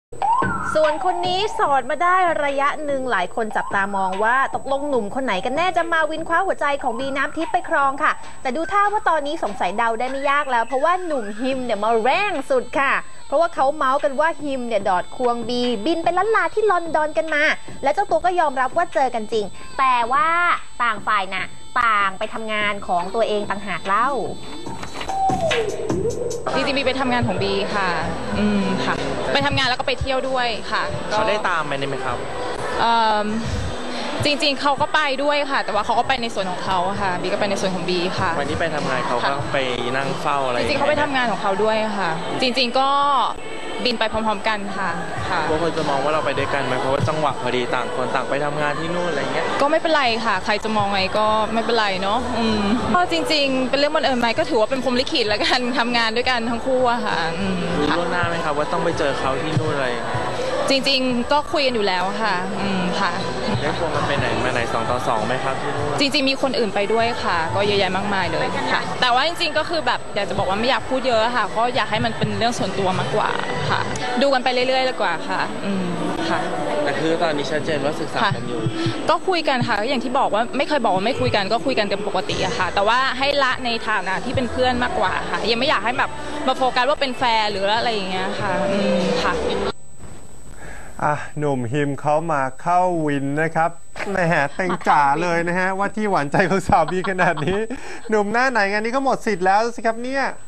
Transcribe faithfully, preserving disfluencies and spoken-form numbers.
ส่วนคนนี้โสดมาได้ระยะหนึ่งหลายคนจับตามองว่าตกลงหนุ่มคนไหนกันแน่จะมาวินคว้าหัวใจของบีน้ำทิพย์ไปครองค่ะแต่ดูท่าว่าตอนนี้สงสัยเดาได้ไม่ยากแล้วเพราะว่าหนุ่มฮิมเนี่ยมาแรงสุดค่ะเพราะว่าเขาเมาส์กันว่าฮิมเนี่ยดอดควงบีบินไปล้านลาที่ลอนดอนกันมาและเจ้าตัวก็ยอมรับว่าเจอกันจริงแต่ว่าต่างฝ่ายน่ะต่างไปทำงานของตัวเองต่างหากเล่าจริงๆบีไปทำงานของบีค่ะอืมค่ะไปทำงานแล้วก็ไปเที่ยวด้วยค่ะเขาได้ตามไปไหมครับจริงๆเขาก็ไปด้วยค่ะแต่ว่าเขาก็ไปในส่วนของเขาค่ะบีก็ไปในส่วนของบีค่ะวันนี้ไปทำงานเขาก็ไปนั่งเฝ้าอะไรจริงๆเขาไปทำงานของเขาด้วยค่ะจริงๆก็บินไปพร้อมๆกันค่ะค่ะบางคนจะมองว่าเราไปด้วยกันไหมเพราะว่าจังหวะพอดีต่างคนต่างไปทำงานที่นู่นอะไรเงี้ยก็ไม่เป็นไรค่ะใครจะมองไงก็ไม่เป็นไรเนาะอืมก็จริงๆเป็นเรื่องบังเอิญไหมก็ถือว่าเป็นพรหมลิขิตแล้วกันทำงานด้วยกันทั้งคู่อะค่ะรู้ล่วงหน้าไหมครับว่าต้องไปเจอเขาที่นู่นอะไรจริงๆก็คุยกันอยู่แล้วค่ะอืมค่ะได้ควงกันไปไหนมาไหนสองต่อสองไหมครับที่นู่นจริงๆมีคนอื่นไปด้วยค่ะก็เยอะแยะมากมายเลยค่ะแต่ว่าจริงๆก็คือแบบอยากจะบอกว่าไม่อยากพูดเยอะค่ะเพราะอยากให้มันเป็นเรื่องส่วนตัวมากกว่าค่ะดูกันไปเรื่อยๆดีกว่าค่ะอืมค่ะแต่คือตอนนี้ชัดเจนว่าศึกษากันอยู่ก็คุยกันค่ะอย่างที่บอกว่าไม่เคยบอกว่าไม่คุยกันก็คุยกันกันปกติอะค่ะแต่ว่าให้ละในฐานะที่เป็นเพื่อนมากกว่าค่ะยังไม่อยากให้แบบมาโฟกัสว่าเป็นแฟนหรืออะไรอย่างเงี้ยค่ะอืมค่ะอ่ะหนุ่มฮิมเขามาเข้าวินนะครับแหมเต็งจ๋าเลยนะฮะว่าที่หวานใจของสาวบีขนาดนี้หนุ่มหน้าไหนงานนี้ก็หมดสิทธิ์แล้วสิครับเนี่ย